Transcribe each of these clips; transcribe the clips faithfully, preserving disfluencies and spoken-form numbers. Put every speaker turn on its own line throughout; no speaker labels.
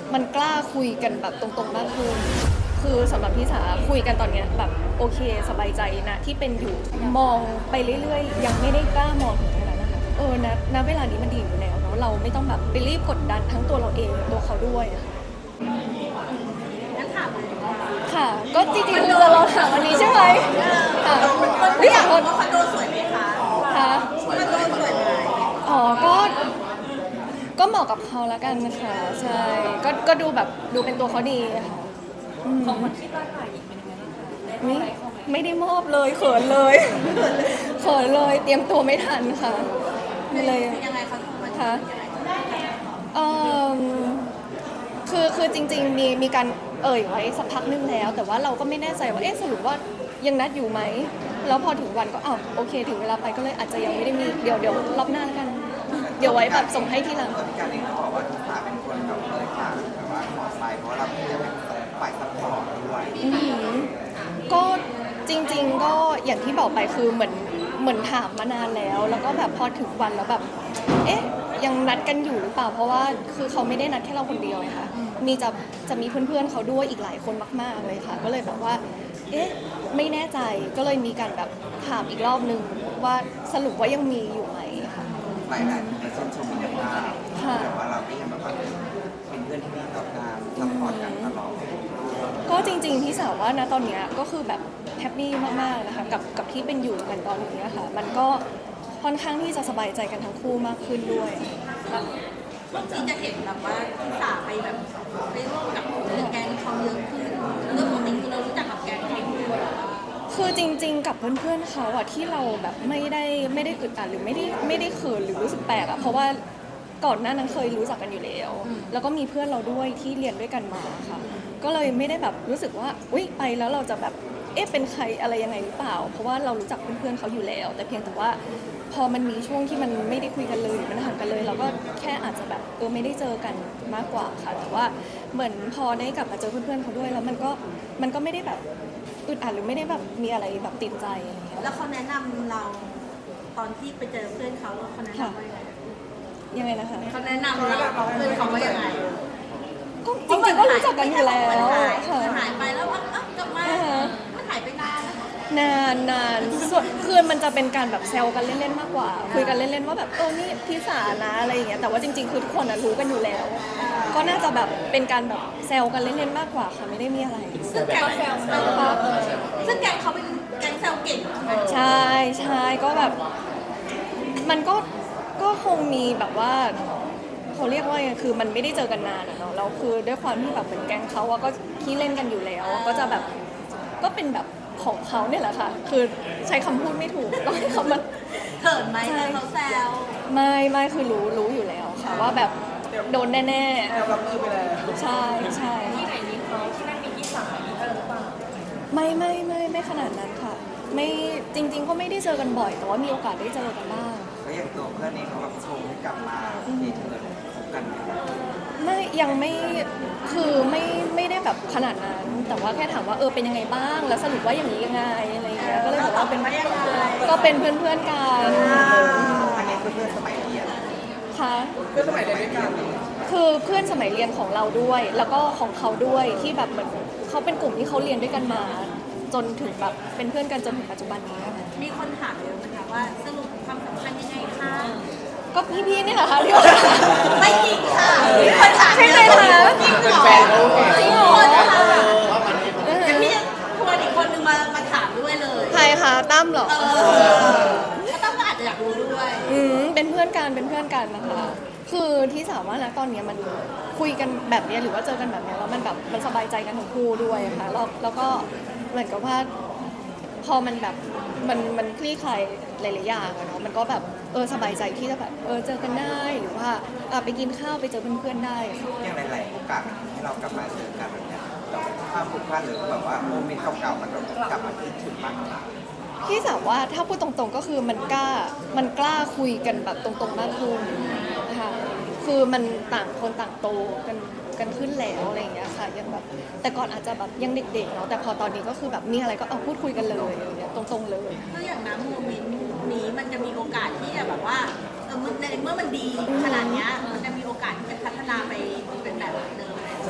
มันกล้าคุยกันแบบตรงๆมากขึ้นคือสำหรับพี่สาคุยกันตอนเนี้ยแบบโอเคสบายใจนะที่เป็นอยู่มองไปเรื่อยๆยังไม่ได้กล้ามองถึงขนาดนั้นนะคะเออนะณเวลานี้มันดีอยู่แล้วเนาะเราไม่ต้องแบบไปรีบกดดันทั้งตัวเราเองตัวเขาด้วยอะค่ะ
งั้นถามเลยว่า
ค่ะ ก็จริงๆเราถามวันนี้ใช่ไหมค่ะ
ไม่อยากรู้ว่าคอนโดสวยไหมคะ
ค่ะ
คอนโดสวยไหม
อ๋อก็ก็เหมาะกับเขาแล้วกันค่ะใช่ก็ก็ดูแบบดูเป็นตัวเขาดีค่ะของคนที่บ้านใหม่อีกเป็นยังไงบ้างคะไม่ไม่ได้มอบเลยเขินเลยเขินเลยเตรียมตัวไม่ทันค่ะเลย
ยังไงคะมัน
ค่ะเออคือคือจริงๆมีมีการเอ่ยไว้สักพักนึงแล้ว แต่ว่าเราก็ไม่แน่ใจว่าเอ๊ะสรุปว่ายังนัดอยู่ไหมแล้วพอถึงวันก็อ้าวโอเคถึงเวลาไปก็เลยอาจจะยังไม่ได้มีเดี๋ยวเดี๋ยวรอบหน้าแล้วกัน เดี๋ยวไว้แบบส่งให้ทีหลัง
การเองเขาบอกว่าทุกฝ่ายเป็นคนแบบเลยฝากแบบว่าขอไปเพราะเราจะเป็นฝ่ายซัพพอร์ตด้วย
ก็จริงๆก็อย่างที่บอกไปคือเหมือนเหมือนถามมานานแล้ว แล้วก็แบบพอถึงวันแล้วแบบเอ๊ะยังนัดกันอยู่หรือเปล่าเพราะว่าคือเขาไม่ได้นัดแค่เราคนเดียวไงคะมีจะจะมีเพื่อนๆเขาด้วยอีกหลายคนมากๆเลยค่ะก็เลยแบบว่าเอ๊ะไม่แน่ใจก็เลยมีการแบบถามอีกรอบนึงว่าสรุปว่ายังมีอยู่ไหมค่ะ
หลายๆคนชื่นชมมินภาพแต่ว่าเราก็ยังแบบว่าเป็นเพื่อนที่ดีต่อกันซัพพอร์ตกันตลอด
ก็จริงๆพี่สาวว่านะตอนนี้ก็คือแบบแฮปปี้มากๆนะคะกับกับที่เป็นอยู่กันตอนนี้ค่ะมันก็ค่อนข้างที่จะสบายใจกันทั้งคู่มากขึ้นด้วย
ช่วงนี้จะเห็นแบบว่าพี่สาไปแบบไปร่วมกับแก๊งเขาเยอะขึ้นเรื่องปกติคือเรารู้จักกับแก๊งเขาด้วย
คือจริงๆกับเพื่อนๆเขาอะที่เราแบบไม่ได้ไม่ได้อึดอัดหรือไม่ได้ไม่ได้เขินหรือรู้สึกแปลกอะเพราะว่าก่อนหน้านั้นเคยรู้จักกันอยู่แล้วแล้วก็มีเพื่อนเราด้วยที่เรียนด้วยกันมาค่ะก็เลยไม่ได้แบบรู้สึกว่าอุ๊ยไปแล้วเราจะแบบเอ๊ะเป็นใครอะไรยังไงหรือเปล่าเพราะว่าเรารู้จักเพื่อนๆเขาอยู่แล้วแต่เพียงแต่ว่าพอมันมีช่วงที่มันไม่ได้คุยกันเลยมันห่างกันเลยเราก็แค่อาจจะแบบเออไม่ได้เจอกันมากกว่าค่ะแต่ว่าเหมือนพอได้กลับมาเจอเพื่อนๆเขาด้วยแล้วมันก็มันก็ไม่ได้แบบอึดอัดหรือไม่ได้แบบมีอะไรแบบติดใจอะไรอย่างเงี้ย
แล้วเขาแนะนำเราตอนที่ไปเจอเพื่อนเขาเขาแนะนำว่ายังไง
ยังไงนะคะ
เขาแนะนำเราเพื่อนเขาว่ายังไง
ก็จริงๆก็รู้จักกันอยู่แล้ว
ค่ะหายไปแล้วอ่ะกลับมามันหายไปนาน
นานนานส่วนคือมันจะเป็นการแบบแซวกันเล่นๆมากกว่าคุยกันเล่นๆว่าแบบเออนี่พี่สานะอะไรอย่างเงี้ยแต่ว่าจริงๆคือทุกคนรู้กันอยู่แล้วก็น่าจะแบบเป็นการแบบแซวกันเล่นๆมากกว่าค่ะไม่ได้มีอะไร
ซึ่งแกงแซวซึ่งแกงเขาเป็นแกงแซวเก่ง
ใช่ใช่ก็แบบมันก็ก็คงมีแบบว่าเขาเรียกว่าไงคือมันไม่ได้เจอกันนานอะเนาะแล้วคือด้วยความที่แบบเหมือนแก๊งเขาอะก็ขี้เล่นกันอยู่แล้วก็จะแบบก็เป็นแบบของเขาเนี่ยแหละค่ะคือใช้คำพูดไม่ถูกต้องให้เขามัน
เขินไหมเขาแซว
ไม่ไม่คือรู้รู้อยู่แล้วค่ะว่าแบบโดนแน่
ๆรับมือไปแล้ว
ใช่ใช่
ที่ไหนมีเขาที่นั่นมีพี่สาวมีเธอหรือเปล่า
ไม่ไม่ไม่ไม่ขนาดนั้นค่ะไม่จริงๆก็ไม่ได้เจอกันบ่อยแต่ว่ามีโอกาสได้เจอกันบ้าง
แล้วอย่างตัวเพื่อนเองเขาแบบชมให้กลับมาที่เธอคบกัน
ไม่ยังไม่คือไม่ไม่ได้แบบขนาดนั้นแต่ว่าแค่ถามว่าเออเป็นยังไงบ้างแล้วสรุปว่าอย่างนี้ยังไงอะไรเงี้ยก็เลยบอกว่าเป็นก็เป็นเพื่อนเพื่อนกัน
อันนี้คือเพื่อนสมัยเรียน
ค่ะ
เพื่อนสมัยเรียนด้วยกัน
คือเพื่อนสมัยเรียนของเราด้วย แล้วก็ของเขาด้วยที่แบบเหมือนเขาเป็นกลุ่มที่เขาเรียนด้วยกันมา จนถึงแบบเป็นเพื่อนกันจนถึงปัจจุบันนี้
มีคนถามเยอะนะคะว่าสรุปความสัมพันธ์ยังไงคะ
ก็พี่ๆนี่แหละค่ะที่ว่า
ไม่จริงค่ะมีคนถาม
ใช่ไหมคะ
จริงเหรอจริงเหรอยังมีชวนอีกคนนึงมามาถามด้วยเลย
ใครคะตั้มเหรอ
ก็ตั้มก็อาจจะอยากรู้ด้วย
อืมเป็นเพื่อนกันเป็นเพื่อนกันนะคะคือที่สามว่านะตอนนี้มันคุยกันแบบนี้หรือว่าเจอกันแบบนี้แล้วมันแบบมันสบายใจกันทั้งคู่ด้วยค่ะแล้วแล้วก็เหมือนกับว่าพอมันแบบมันมันคลี่คลายหลายๆอย่างอะเนาะมันก็แบบเออสบายใจที่จะแบบเออเจอกันได้หรือว่าไปกินข้าวไปเจอเพื่อนๆได้
อย่างหลายๆโอกาสให้เรากลับมาเจอกันแบบนี้เราภาพผูกพันหรือแบบว่าโมเมนต์เก่าๆมันกลับมาคิดถึงบ้าง
พี่สาวว่าถ้าพูดตรงๆก็คือมันกล้ามันกล้าคุยกันแบบตรงๆมากขึ้นค่ะคือมันต่างคนต่างโตกันกันขึ้นแล้วอะไรอย่างเงี้ยค่ะยังแบบแต่ก่อนอาจจะแบบยังเด็กๆเนาะแต่พอตอนนี้ก็คือแบบมีอะไรก็เอาพูดคุยกันเลยอย่างเงี้ยตรงๆเลย
ก็อย่างน้ำโมเมนต์นี้มันจะมีโอกาสที่จะแบบว่าเออในเมื่อมันดีขนาดนี้มันจะมีโอกาสที่จะพัฒนาไปเป็นแบบเดิม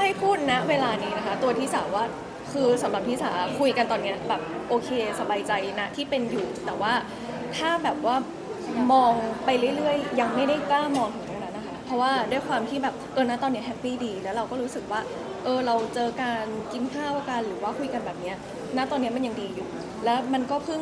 ให้พูดนะเวลานี้นะคะ ตัวที่สาว่าคือสำหรับที่สาคุยกันตอนเนี้ยแบบโอเคสบายใจนะที่เป็นอยู่ แต่ว่าถ้าแบบว่ามองไปเรื่อยๆยังไม่ได้กล้ามองถึงตรงนั้นนะคะเพราะว่าด้วยความที่แบบตัวนั้นตอนเนี้แฮปปี้ดีแล้วเราก็รู้สึกว่าเออเราเจอการกินข้าวกันหรือว่าคุยกันแบบเนี้ยณตอนเนี้ยมันยังดีอยู่ แล้วมันก็เพิ่ง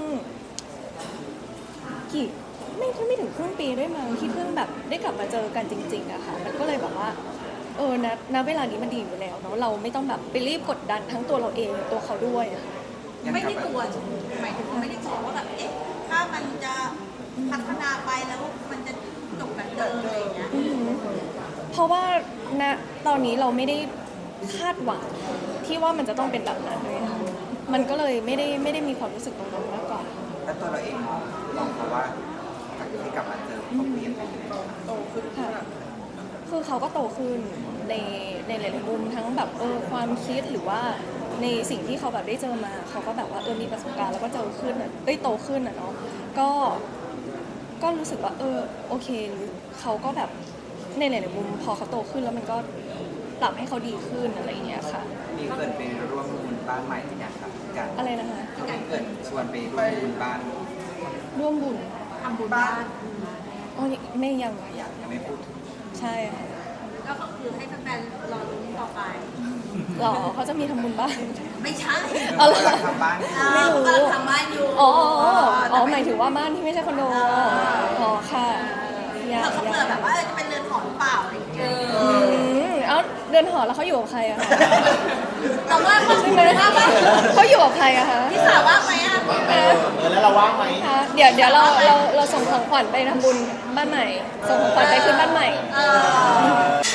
กี่ไม่ไม่ถึงครึ่งปีด้วยมั้งที่เพิ่งแบบได้กลับมาเจอกันจริงๆอะค่ะมันก็เลยแบบว่าเออณณเวลานี้มันดีอยู่แล้วเนาะเราไม่ต้องแบบไปรีบกดดันทั้งตัวเราเองตัวเขาด้วยอะค่ะ
ไม่ได้กลัวหมายถึงว่าไม่ได้กลัวว่าแบบเอ๊ะถ้ามันจะพัฒนาไปแล้วมันจะจบแบบเดิมอะไรอย่างเงี้ย
อืมเพราะว่าณตอนนี้เราไม่ได้คาดหวังที่ว่ามันจะต้องเป็นแบบนั้นเลยค่ะมันก็เลยไม่ได้ไม่ได้มีความรู้สึกตรงนั้นมากกว่า
แล้วตัวเราเองมองมองเขาว่าจากที่กลับมาเจอเขาเปลี่ยนไปยังไง
ค่ะคือเขาก็โตขึ้นในในหลายๆมุมทั้งแบบเออความคิดหรือว่าในสิ่งที่เขาแบบได้เจอมาเขาก็แบบว่าเออมีประสบการณ์แล้วก็เจอขึ้นอ่ะเอ้ยโตขึ้นอ่ะเนาะก็ก็รู้สึกว่าเออโอเคเขาก็แบบในหลายๆมุมพอเขาโตขึ้นแล้วมันก็ปรับให้เขาดีขึ้นอะไรอย่างเงี้ยค่ะ
มีเกิดไปร่วมบุญบ้านใหม่หรือยังครับกัน
อะไรนะคะ
มีเกิดชวนไปร่วมบุญบ้าน
ร่วมบุญ
ทำบุญบ้าน
อ๋อไม่ยังอะยัง
ยังไม่พูดถึง
ใช่ค่ะ
ก็คือให้แฟนๆรอลุ้นต่อไป
หรอเขาจะมีทำบุญบ้าง
ไม่ใช่
เอาเหรอ
กำลังทำบ้าน
ไม่รู้
กำลังทำบ้านอยู่
อ๋ออ๋ออ๋อหมายถึงว่าบ้านที่ไม่ใช่คอนโดอ๋อค่ะอยาก
เขา
อยา
เผื่อก แบบว่าจะเป็นเรือนหอหรือเปล่าอะไรอย่างเงี้ย
อืมเอ้าเดินหอแล้วเขาอยู่กับใครอะคะ
เราว่างมั้ย
ใช่ไหมเขาอยู่กับใครอะคะ
พี่สาวว่างไหมอ่ะ
เออ
เออแล้วเราว่างไหม
คะเดี๋ยวเดี๋ยวเราเราเราส่งของขวัญไปทำบุญบ้านใหม่ ส่งของขวัญไปขึ้นบ้านใหม่
เออ